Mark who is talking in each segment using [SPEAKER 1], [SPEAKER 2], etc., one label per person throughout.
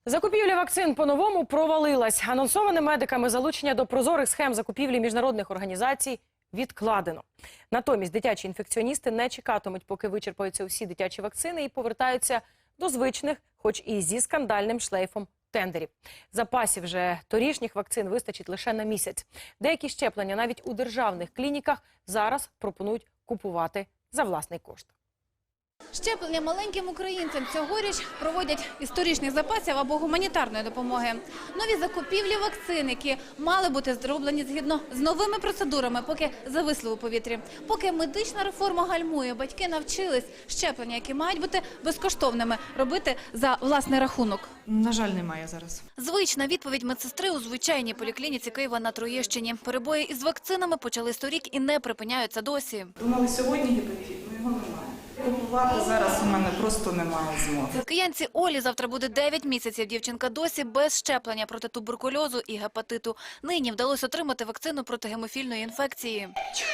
[SPEAKER 1] Закупівля вакцин по-новому провалилась. Анонсоване медиками залучення до прозорих схем закупівлі міжнародних організацій відкладено. Натомість дитячі інфекціоністи не чекатимуть, поки вичерпаються усі дитячі вакцини і повертаються до звичних, хоч і зі скандальним шлейфом тендерів. Запасів же торішніх вакцин вистачить лише на місяць. Деякі щеплення навіть у державних клініках зараз пропонують купувати за власний кошт.
[SPEAKER 2] Щеплення маленьким українцям цьогоріч проводять із торішніх запасів або гуманітарної допомоги. Нові закупівлі вакцин, які мали бути зроблені згідно з новими процедурами, поки зависли у повітрі. Поки медична реформа гальмує, батьки навчились щеплення, які мають бути безкоштовними, робити за власний рахунок.
[SPEAKER 3] На жаль, немає зараз.
[SPEAKER 2] Звична відповідь медсестри у звичайній поліклініці Києва на Троєщині. Перебої із вакцинами почались торік і не припиняються досі.
[SPEAKER 3] Думали сьогодні гепатит, але його немає. Купувати зараз у мене просто немає змоги.
[SPEAKER 2] Киянці Олі завтра буде 9 місяців. Дівчинка досі без щеплення проти туберкульозу і гепатиту. Нині вдалося отримати вакцину проти гемофільної інфекції.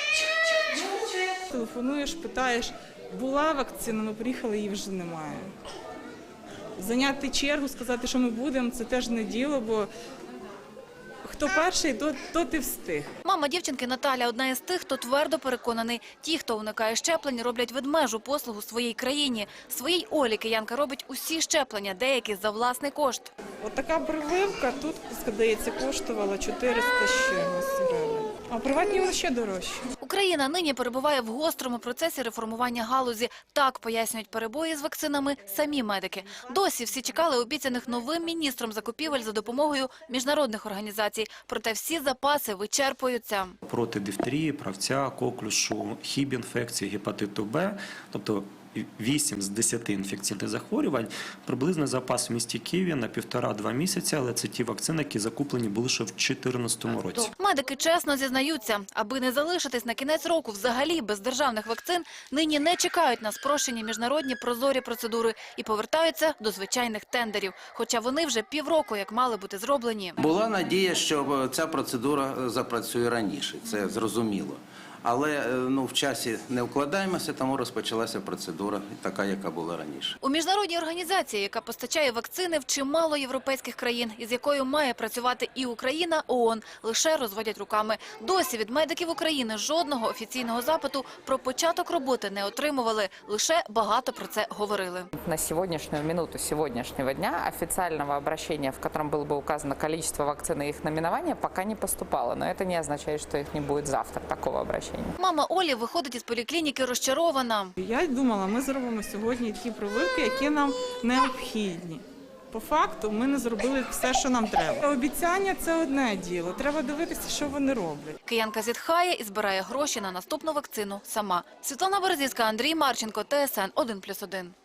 [SPEAKER 3] Телефонуєш, питаєш, була вакцина, ми приїхали, її вже немає. Зайняти чергу, сказати, що ми будемо, це теж не діло, бо хто перший, то ти встиг.
[SPEAKER 2] Мама дівчинки Наталя – одна із тих, хто твердо переконаний. Ті, хто уникає щеплень, роблять ведмежу послугу своїй країні. Своїй Олі киянка робить усі щеплення, деякі за власний кошт.
[SPEAKER 3] От така прививка тут, здається, коштувала 400 з чимось гривень. А приватні воно ще дорожче.
[SPEAKER 2] Україна нині перебуває в гострому процесі реформування галузі. Так пояснюють перебої з вакцинами самі медики. Досі всі чекали обіцяних новим міністром закупівель за допомогою міжнародних організацій. Проте всі запаси вичерпуються.
[SPEAKER 4] Проти дифтерії, правця, коклюшу, хіб-інфекції, гепатиту Б, тобто 8 з 10 інфекційних захворювань, приблизно запас в місті Києві на 1,5-2 місяці, але це ті вакцини, які закуплені були ще в 2014 році.
[SPEAKER 2] Медики чесно зізнаються, аби не залишитись на кінець року взагалі без державних вакцин, нині не чекають на спрощені міжнародні прозорі процедури і повертаються до звичайних тендерів, хоча вони вже півроку як мали бути зроблені.
[SPEAKER 5] Була надія, що ця процедура запрацює раніше, це зрозуміло. Але в часі не вкладаємося, тому розпочалася процедура така, яка була раніше.
[SPEAKER 2] У міжнародній організації, яка постачає вакцини в чимало європейських країн, із якою має працювати і Україна, ООН, лише розводять руками. Досі від медиків України жодного офіційного запиту про початок роботи не отримували, лише багато про це говорили.
[SPEAKER 6] На сегодняшнюю минуту сегодняшнего дня официального обращения, в котором было бы указано количество вакцин и их номинование, пока не поступало. Но это не означает, что их не будет завтра, такого обращения.
[SPEAKER 2] Мама Олі виходить із поліклініки розчарована.
[SPEAKER 3] Я думала, ми зробимо сьогодні ті прививки, які нам необхідні. По факту ми не зробили все, що нам треба. Обіцяння – це одне діло. Треба дивитися, що вони роблять.
[SPEAKER 2] Киянка зітхає і збирає гроші на наступну вакцину сама. Світлана Березівська, Андрій Марченко, ТСН 1+1.